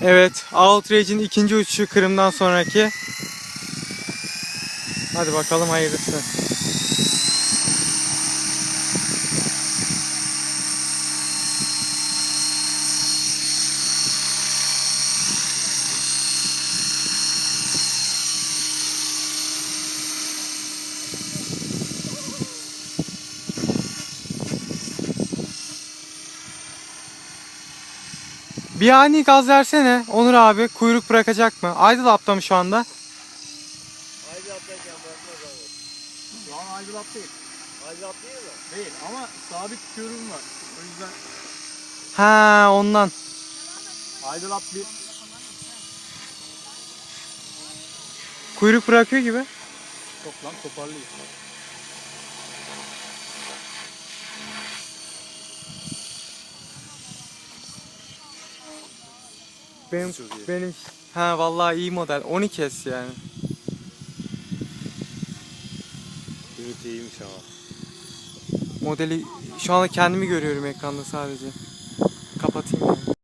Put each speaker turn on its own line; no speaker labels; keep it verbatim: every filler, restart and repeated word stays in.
Evet, Outrage'in ikinci uçuşu Kırım'dan sonraki. Hadi bakalım hayırlısı. Bir ani gaz versene Onur abi. Kuyruk bırakacak mı? Idle up'ta mı şu anda?
Idle up'tayken bırakmaz abi.
Şu an idle up değil.
Idle up değil mi?
Değil ama sabit tutuyorum var. O yüzden
Ha, ondan.
idle up bir.
Kuyruk bırakıyor gibi.
Çok lan toparlıyor.
Benim
Çok iyi.
benim ha vallahi iyi model. on iki S yani.
Ünite iyiymiş ama.
Modeli şu anda kendimi görüyorum ekranda sadece. Kapatayım yani.